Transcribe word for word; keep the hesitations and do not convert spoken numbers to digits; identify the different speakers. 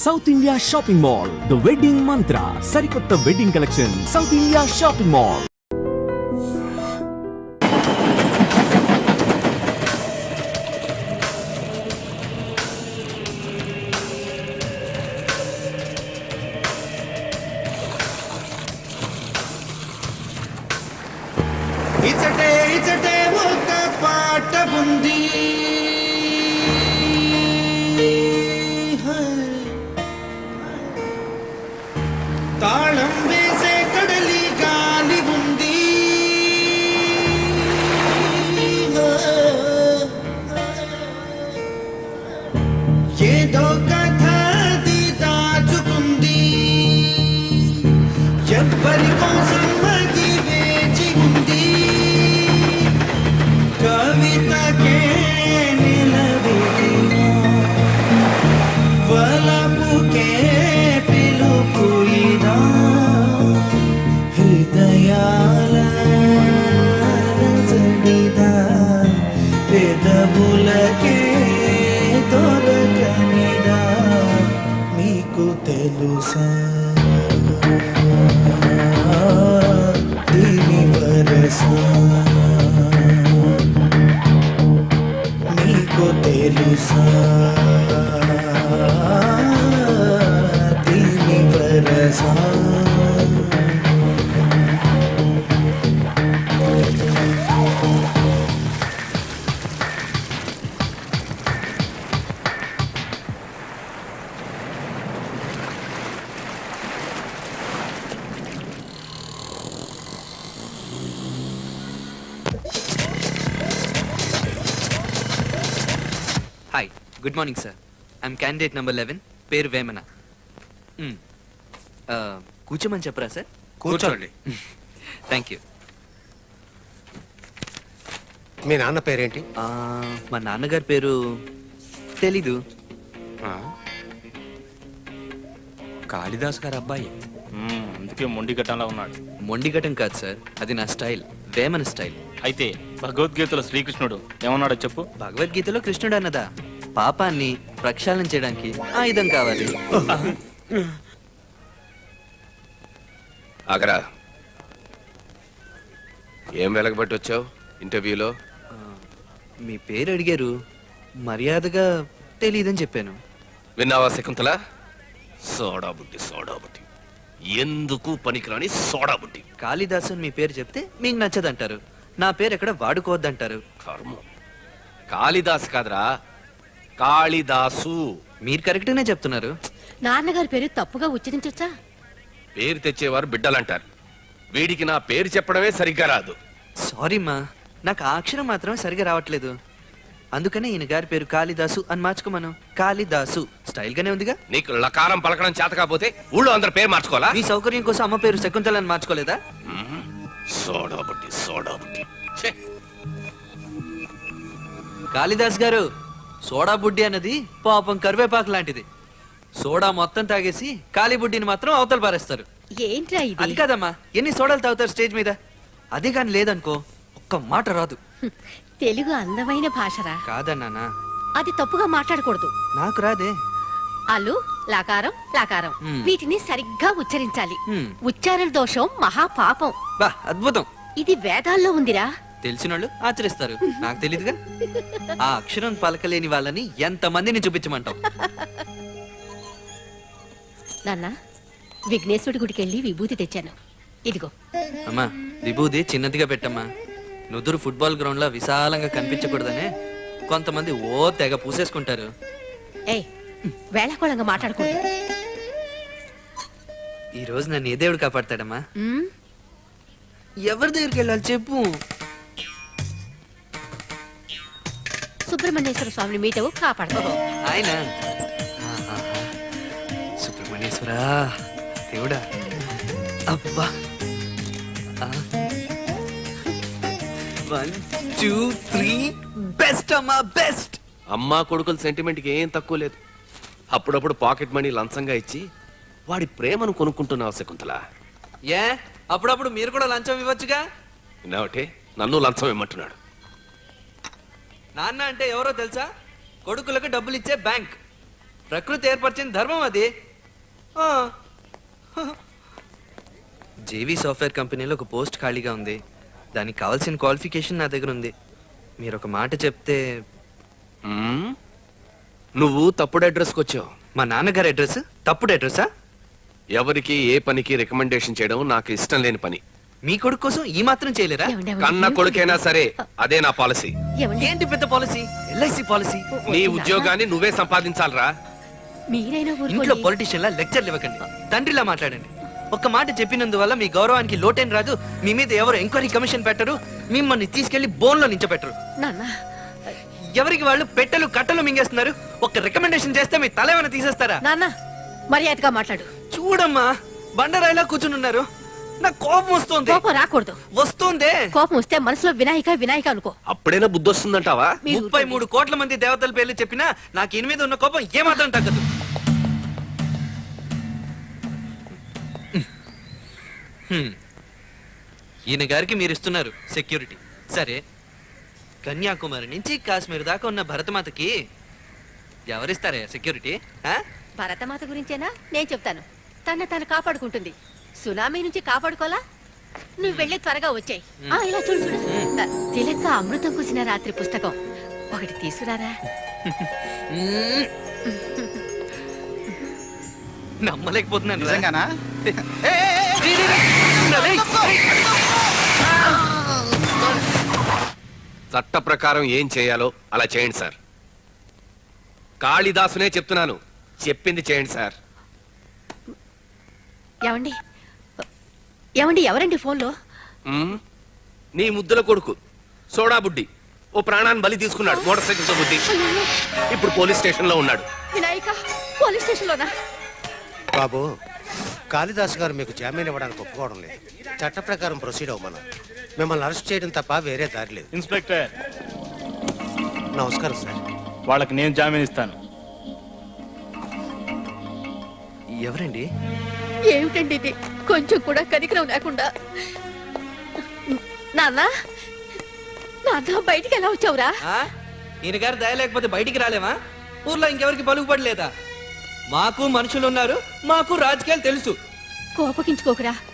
Speaker 1: South India shopping mall, the wedding mantra, సరికొత్త wedding collection, South India shopping mall.
Speaker 2: ఇచటే ఇచటే ఒక పాట ఉంది, తాళం వేసే కడలి గాలి ఉంది, ఏదో కథ అది దాచుకుంది, ఎవ్వరి కోసం అది వేచి ఉంది, కవితకే నిలవేదిన వలపుకే పిలుపు ఇదా, హృదయాల రచనిదా, పెదవులకే దొరకనిదా, మీకు తెలుసా దీని వరసా, మీకు తెలుసా దీని వరసా.
Speaker 3: Hi, good morning sir. I'm candidate number eleven, పేరు వేమన. మ్, ఆ, కూర్చోమని చెప్పరా సార్?
Speaker 4: కూర్చోండి.
Speaker 3: Thank you.
Speaker 4: మీ నాన్న పేరేంటి?
Speaker 3: ఆ, మా నాన్నగారి పేరు తెలీదు.
Speaker 5: కాళిదాస్ గారు అబ్బాయి, అందుకే మొండి ఘటనలా ఉన్నాడు.
Speaker 3: మొండిగటం కాదు సార్, అది నా స్టైల్, వేమన స్టైల్.
Speaker 5: అయితే భగవద్గీతలో శ్రీకృష్ణుడు ఏమన్నాడో చెప్పు.
Speaker 3: భగవద్గీతలో కృష్ణుడు అన్నదా, పాపాన్ని ప్రక్షాళన చేయడానికి ఆయుధం కావాలి.
Speaker 6: ఆగరా, ఏం వెలగబట్టి వచ్చావు ఇంటర్వ్యూలో?
Speaker 3: ఆ, మీ పేరు అడిగారు, మర్యాదగా తెలీదని చెప్పాను.
Speaker 6: విన్నావా శకుంతల? సోడా బుద్ధి, సోడా బుద్ధి, ఎందుకు పనికిరాని సోడా బుద్ధి.
Speaker 3: కాళిదాసు మీ పేరు చెప్తే మీకు నచ్చదంటారు, నా పేరు ఎక్కడ వాడుకోవద్దంటారు.
Speaker 6: కర్మ. కాళిదాసు కాదురా, కాళిదాసు.
Speaker 3: మీరు కరెక్ట్గానే చెప్తున్నారు.
Speaker 7: నాన్నగారి పేరు తప్పుగా ఉచ్చరించొచ్చా?
Speaker 6: పేరు తెచ్చేవారు బిడ్డలంటారు, వీడికి నా పేరు చెప్పడమే సరిగ్గా రాదు.
Speaker 3: సారీ మా, నాకు ఆ అక్షరం మాత్రం సరిగా రావట్లేదు, అందుకనే ఈయన గారి పేరు కాళిదాసు అని మార్చుకోమను. కాళిదాసు స్టైల్ గానే ఉందిగా.
Speaker 6: నీకు లకారం పలకడం చేత కాకపోతే ఊళ్ళో అందరి పేరు మార్చుకోవాలా?
Speaker 3: మీ సౌకర్యం కోసం అమ్మ పేరు శకుంతల అని మార్చుకోలేదా?
Speaker 6: సోడా బుద్ధి, సోడా బుద్ధి. ఛే!
Speaker 3: కాళిదాస్ గారు, సోడా బుడ్డి అన్నది పాపం కరివేపాకు లాంటిది. సోడా మొత్తం తాగేసి కాళీ బుడ్డిని మాత్రం అవతల పారేస్తారు.
Speaker 7: ఏంట్రా
Speaker 3: అది
Speaker 7: ఇది?
Speaker 3: కాదమ్మా, ఎన్ని సోడాలు తాగుతారు స్టేజ్ మీద? అదే కానీ లేదనుకో ఒక్క మాట రాదు.
Speaker 7: తెలుగు అందమైన భాషరా,
Speaker 3: కాదన్నానా?
Speaker 7: అది తప్పుగా మాట్లాడకూడదు.
Speaker 3: నాకు రాదే.
Speaker 7: అల్లు లకారం లకారం
Speaker 3: మ్.
Speaker 7: వీటిని సరిగ్గా ఉచ్చరించాలి.
Speaker 3: మ్.
Speaker 7: ఉచ్చారణ దోషం మహాపాపం.
Speaker 3: బా అద్భుతం.
Speaker 7: ఇది వేదాల్లో ఉందిరా.
Speaker 3: తెలిసినోళ్ళు ఆచరిస్తారు, నాకు తెలీదుగా. ఆ అక్షరం పలకలేని వాళ్ళని ఎంత మందిని చూపించమంటావు?
Speaker 7: నాన్న, విఘ్నేశ్వరుడి గుడికి వెళ్ళి విభూతి తెచ్చాను, ఇదిగో.
Speaker 3: అమ్మా, విభూది చిన్నదిగా పెట్టమ్మా. నుదురు ఫుట్బాల్ గ్రౌండ్ లో విశాలంగా కనిపించకూడదనే కొంతమంది ఓ తెగ పూసేసుకుంటారు.
Speaker 7: ఏయ్, వేళకోళంగా మాట్లాడకూడదు.
Speaker 3: ఈ రోజు నన్ను ఏ దేవుడు కాపాడతాడమ్మా?
Speaker 7: మ్?
Speaker 3: ఎవరి దగ్గరికి వెళ్ళాలి చెప్పు.
Speaker 7: సుబ్రహ్మణ్యేశ్వర స్వామిని మీటవు కాపాడతావు.
Speaker 3: ఆయన ఆహాహా. సుబ్రహ్మణ్యేశ్వరా, దేవుడా, అబ్బా. వన్ టూ త్రీ, బెస్ట్ అమ్మా, బెస్ట్.
Speaker 6: అమ్మా కొడుకుల సెంటిమెంట్కి ఏం తక్కువ లేదు. అప్పుడప్పుడు పాకెట్ మనీ లంచంగా ఇచ్చి వాడి ప్రేమను కొనుక్కుంటున్నావు శకుంతల.
Speaker 3: ఏ అప్పుడప్పుడు మీరు కూడా లంచం ఇవ్వచ్చుగా?
Speaker 6: విన్నావటే, నన్ను లంచం ఇమ్మంటున్నాడు.
Speaker 3: నాన్న అంటే ఎవరో తెలుసా? కొడుకులకు డబ్బులు ఇచ్చే బ్యాంక్. ప్రకృతి ఏర్పరిచిన ధర్మం అది ఆ. జేవీ సాఫ్ట్వేర్ కంపెనీలో ఒక పోస్ట్ ఖాళీగా ఉంది. దానికి కావాల్సిన క్వాలిఫికేషన్ నా దగ్గర ఉంది. మీరు ఒక మాట చెప్తే.
Speaker 6: మ్మ్? నువ్వు తప్పుడు అడ్రస్కి వచ్చావు.
Speaker 3: మా నాన్నగారి అడ్రస్ తప్పుడు అడ్రస్సా?
Speaker 6: ఎవరికి ఏ పనికి రికమెండేషన్ చేయడం నాకు ఇష్టం లేని పని.
Speaker 3: మీ కొడుకు కోసం ఈ మాత్రం చేయలేరా?
Speaker 7: ఏమండి, ఏమండి,
Speaker 6: కన్న
Speaker 7: ఏమిటి?
Speaker 6: కొడుకైనా సరే అదే నా పాలసీ.
Speaker 7: ఏమండి?
Speaker 3: ఏంటి పెద్ద పాలసీ? LIC policy.
Speaker 6: నీ ఉద్యోగాన్ని నువ్వే సంపాదించాలరా.
Speaker 7: మీరైనా
Speaker 3: ఇంట్లో
Speaker 7: ఊరుకోండి.
Speaker 3: పొలిటీషియన్ లా లెక్చర్లు ఇవ్వకండి. తండ్రిలా మాట్లాడండి. ఒక్క మాట చెప్పినందువల్ల మీ గౌరవానికి లోటేం రాదు. మీ మీద ఎవరు ఎంక్వైరీ కమిషన్ పెట్టరు. మిమ్మల్ని తీసుకెళ్లి బోన్లో నించబెట్టరు.
Speaker 7: నాన్న
Speaker 3: ఎవరికి వాళ్ళు పెట్టెలు కట్టలు మింగేస్తున్నారు. ఒక రికమెండేషన్ చేస్తే మీ తల ఏమైనా తీసేస్తారా?
Speaker 7: నాన్న మర్యాదగా మాట్లాడు.
Speaker 3: చూడమ్మా, బండరాయిలా కూర్చుని ఉన్నారు. నాకు కోపం వస్తుంది.
Speaker 7: కోపం రాకూడదు.
Speaker 3: వస్తుందే.
Speaker 7: కోపం వస్తే మనసులో వినాయక వినాయక అనుకో.
Speaker 6: అప్పుడైనా బుద్ధి వస్తుందంటావా?
Speaker 7: మీరు
Speaker 3: ముప్పై
Speaker 7: ఊరుకోండి.
Speaker 3: మూడు కోట్ల మంది దేవతల పేర్లు చెప్పినా నాకు ఈయన మీద ఉన్న కోపం ఏమాత్రం తగ్గదు. హ్మ్. ఈయన గారికి మీరు ఇస్తున్నారు సెక్యూరిటీ, సరే. కన్యాకుమారి నుంచి కాశ్మీర్ దాకా ఉన్న భరతమాతకి ఎవరిస్తారా సెక్యూరిటీ? ఆ?
Speaker 7: భరతమాత గురించేనా? నేను చెప్తాను. తన తను కాపాడుకుంటుంది. సునామీ నుంచి కాపాడుకోలా? నువ్వు వెళ్ళి త్వరగా వచ్చాయి. ఇలా చూడు చూడు. త- తిలక అమృతం కుసిన రాత్రి పుస్తకం ఒకటి తీసుకురారా.
Speaker 3: మ్మ్. నమ్మలేకపోతున్నాను రా.
Speaker 2: నిజంగానా?
Speaker 3: రేయ్, రేయ్, రేయ్.
Speaker 6: చట్ట ప్రకారం ఏం చేయాలో అలా చేయండి సార్. కాళిదాసునే చెప్తున్నాను, చెప్పింది చేయండి సార్.
Speaker 7: ఏమండి ఏమండి ఎవరండి ఫోన్లో?
Speaker 6: మ్మ్? నీ ముద్దుల కొడుకు సోడా బుడ్డి ఓ ప్రాణాన్ని బలి తీసుకున్నాడు మోటార్ సైకిల్ తో బుద్ధి. ఇప్పుడు పోలీస్ స్టేషన్ లో ఉన్నాడు.
Speaker 7: వినాయక పోలీస్ స్టేషన్ లోనా?
Speaker 4: బాబు, కాళిదాస్ గారు మీకు జామీన్ ఇవ్వడానికి ఒప్పుకోవడం లేదు. చట్ట ప్రకారం ప్రొసీడ్ అవ్వమను. మిమ్మల్ని అరెస్ట్ చేయడం తప్ప వేరే దారి లేదు.
Speaker 5: ఇన్స్పెక్టర్,
Speaker 4: నమస్కారం సార్.
Speaker 5: వాళ్ళకి నేను జామీన్ ఇస్తాను.
Speaker 3: ఎవరండి?
Speaker 7: ఏమిటండి ఇది? కొంచెం కూడా కనికరం లేకుండా. నాన్న నాన్న బయటికి ఎలా వచ్చావురా?
Speaker 3: ఆ? ఈయన గారు దయ లేకపోతే బయటికి రాలేమా? ఊర్లో ఇంకెవరికి పలుకుపడలేదా? మాకు మనుషులు ఉన్నారు, మాకు రాజకీయాలు తెలుసు.
Speaker 7: కోపగించుకోకురా.